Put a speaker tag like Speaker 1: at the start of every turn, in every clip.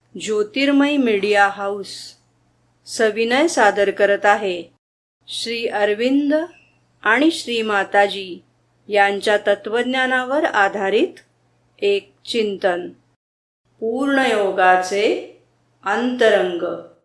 Speaker 1: ज्योतिर्मय media house सविनय सादर करत आहे श्री अरविंद आणि श्री माताजी यांच्या तत्वज्ञानावर आधारित एक चिंतन, पूर्णयोगाचे अंतरंग.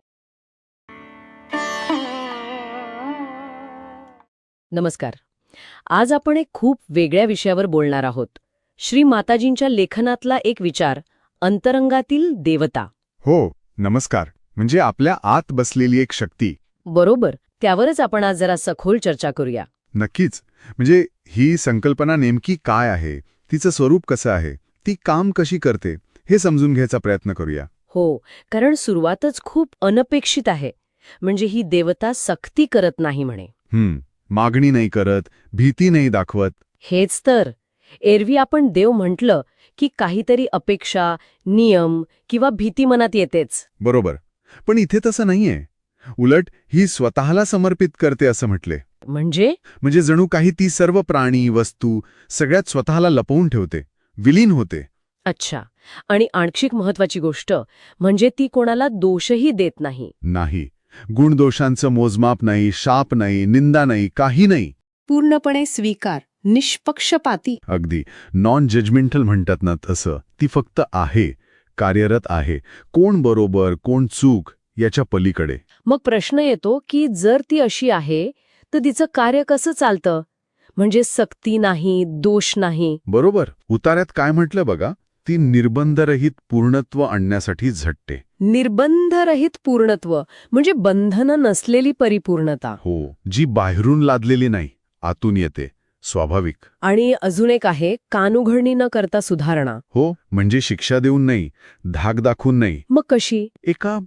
Speaker 2: नमस्कार. आज आपण एक खूप वेगळ्या विषयावर बोलणार आहोत. श्री माताजींच्या लेखनातला एक विचार, अंतरंगातील देवता.
Speaker 3: हो, नमस्कार. म्हणजे आपल्या आत बसलेली एक शक्ती.
Speaker 2: बरोबर, त्यावरच आपण आज जरा सखोल चर्चा करूया.
Speaker 3: नक्कीच. म्हणजे ही संकल्पना नेमकी काय आहे, तिचं स्वरूप कसं आहे, ती काम कशी करते, हे समजून घ्यायचा प्रयत्न करूया.
Speaker 2: हो, कारण सुरुवातच खूप अनपेक्षित आहे. म्हणजे ही देवता सक्ती करत नाही म्हणे.
Speaker 3: मागणी नाही करत, भीती नाही दाखवत.
Speaker 2: हेच तर. एरवी आपण देव म्हटलं की काहीतरी अपेक्षा, नियम किंवा भीती मनात येतेच.
Speaker 3: बरोबर. पण इथे तसं नाहीये. उलट ही स्वतःला समर्पित करते असं म्हटले.
Speaker 2: म्हणजे
Speaker 3: जणू काही ती सर्व प्राणी, वस्तू सगळ्यात स्वतःला लपवून ठेवते, विलीन होते.
Speaker 2: अच्छा. आणि आणखी महत्वाची गोष्ट म्हणजे ती कोणाला दोषही देत नाही.
Speaker 3: नाही. गुणदोषांचं मोजमाप नाही, शाप नाही, निंदा नाही, काही नाही.
Speaker 4: पूर्णपणे स्वीकार, निष्पक्षपाती.
Speaker 3: अगदी नॉन जजमेंटल म्हणतात ना तसं. ती फक्त आहे, कार्यरत आहे. कोण बरोबर, कोण चूक याच्या पलीकडे.
Speaker 2: मग प्रश्न येतो की जर ती अशी आहे तर तिचं कार्य कसं चालतं? म्हणजे सक्ती नाही, दोष नाही.
Speaker 3: बरोबर. उतार्यात काय म्हटलं बघा, ती निर्बंधरहित पूर्णत्व आणण्यासाठी झटते.
Speaker 2: निर्बंधरहित पूर्णत्व म्हणजे बंधनं नसलेली परिपूर्णता.
Speaker 3: हो, जी बाहेरून लादलेली नाही, आतून येते, स्वाभाविक.
Speaker 2: आणि अजून एक आहे, कानउघडणी न करता सुधारणा.
Speaker 3: हो, म्हणजे शिक्षा देऊन नाही, धाक दाखवून नाही.
Speaker 2: मग कशी?
Speaker 3: एका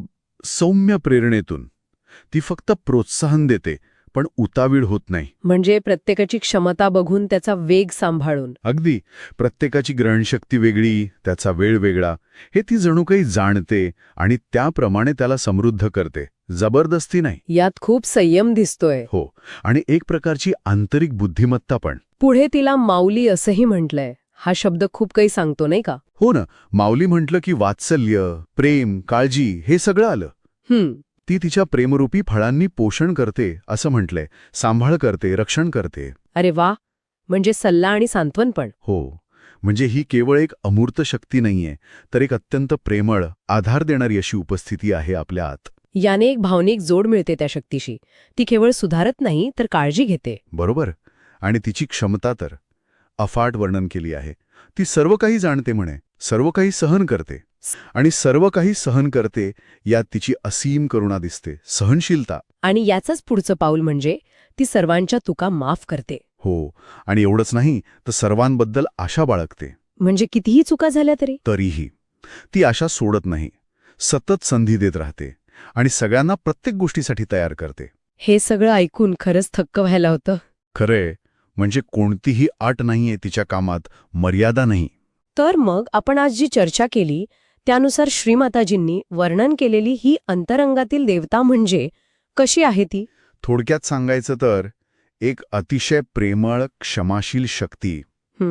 Speaker 3: सौम्य प्रेरणेतून. ती फक्त प्रोत्साहन देते, पण उतावीळ होत नाही.
Speaker 2: म्हणजे प्रत्येकाची क्षमता बघून त्याचा वेग सांभाळून.
Speaker 3: अगदी. प्रत्येकाची ग्रहणशक्ती वेगळी, त्याचा वेळ वेगळा, हे ती जणू काही जाणते आणि त्याप्रमाणे त्याला समृद्ध करते. जबरदस्ती नाही.
Speaker 2: यात खूप संयम दिसतोय.
Speaker 3: हो, आणि एक प्रकारची आंतरिक बुद्धिमत्ता पण.
Speaker 2: पुढे तिला माऊली असंही म्हटलंय. हा शब्द खूप काही सांगतो नाही का?
Speaker 3: हो ना. माऊली म्हटलं की वात्सल्य, प्रेम, काळजी हे सगळं आलं. ती तिच्या प्रेमरूपी फळांनी पोषण करते असं म्हटलंय. सांभाळ करते, रक्षण करते.
Speaker 2: अरे वा. म्हणजे सल्ला आणि सांत्वन पण.
Speaker 3: हो, म्हणजे ही केवळ एक अमूर्त शक्ती नाहीये, तर एक अत्यंत प्रेमळ, आधार देणारी अशी उपस्थिती आहे आपल्या आत.
Speaker 2: याने एक भावनिक जोड मिळते त्या शक्तीशी. ती केवळ सुधारत नाही तर काळजी घेते.
Speaker 3: बरोबर. आणि तिची क्षमता तर अफाट वर्णन केली आहे. ती सर्व काही जाणते म्हणे, सर्व काही सहन करते. आणि सर्व काही सहन करते यात तिची असीम करुणा दिसते, सहनशीलता.
Speaker 2: आणि याचंच पुढचं पाऊल म्हणजे ती सर्वांच्या चुका माफ करते.
Speaker 3: हो, आणि एवढंच नाही तर सर्वांबद्दल आशा बाळगते.
Speaker 2: म्हणजे कितीही चुका झाल्या
Speaker 3: तरीही ती आशा सोडत नाही, सतत संधी देत राहते आणि सगळ्यांना प्रत्येक गोष्टीसाठी तयार करते.
Speaker 2: हे सगळं ऐकून खरंच थक्क व्हायला होतं.
Speaker 3: खरंय. म्हणजे कोणतीही अट नाहीये तिच्या कामात, मर्यादा नाही.
Speaker 2: तर मग आपण आज जी चर्चा केली त्यानुसार श्रीमाताजींनी वर्णन केलेली ही अंतरंगातील देवता म्हणजे कशी आहे ती?
Speaker 3: थोडक्यात सांगायचं तर एक अतिशय प्रेमळ, क्षमाशील शक्ती,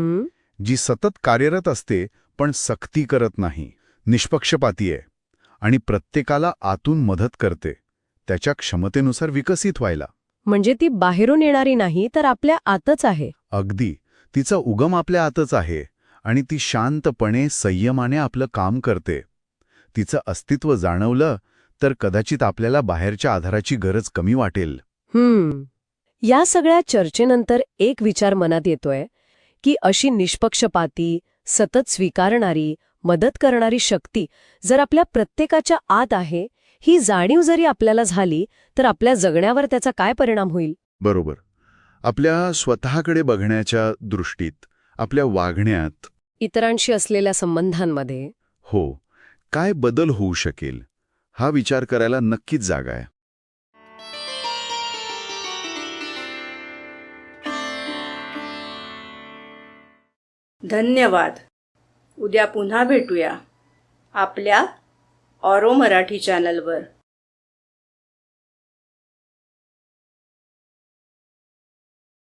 Speaker 3: जी सतत कार्यरत असते पण सक्ती करत नाही, निष्पक्षपाती आहे आणि प्रत्येकाला आतून मदत करते, त्याच्या क्षमतेनुसार विकसित व्हायला.
Speaker 2: म्हणजे ती बाहेरून येणारी नाही तर आपल्या आतच आहे.
Speaker 3: अगदी. तिचा उगम आपल्या आतच आहे आणि ती शांतपणे, संयमाने आपलं काम करते. तिचं अस्तित्व जाणवलं तर कदाचित आपल्याला बाहेरच्या आधाराची गरज कमी वाटेल.
Speaker 2: या सगळ्या चर्चेनंतर एक विचार मनात येतोय की अशी निष्पक्षपाती, सतत स्वीकारणारी, मदत करणारी शक्ती जर आपल्या प्रत्येकाच्या आत आहे, ही जाणीव जरी आपल्याला झाली तर आपल्या जगण्यावर त्याचा काय परिणाम होईल?
Speaker 3: बरोबर. आपल्या स्वतःकडे बघण्याच्या दृष्टीत, आपल्या वागण्यात,
Speaker 2: इतरांशी असलेल्या संबंधांमध्ये.
Speaker 3: हो, काय बदल होऊ शकेल हा विचार करायला नक्कीच जागा आहे.
Speaker 1: धन्यवाद. उद्या पुन्हा भेटूया आपल्या ऑरो मराठी चॅनलवर.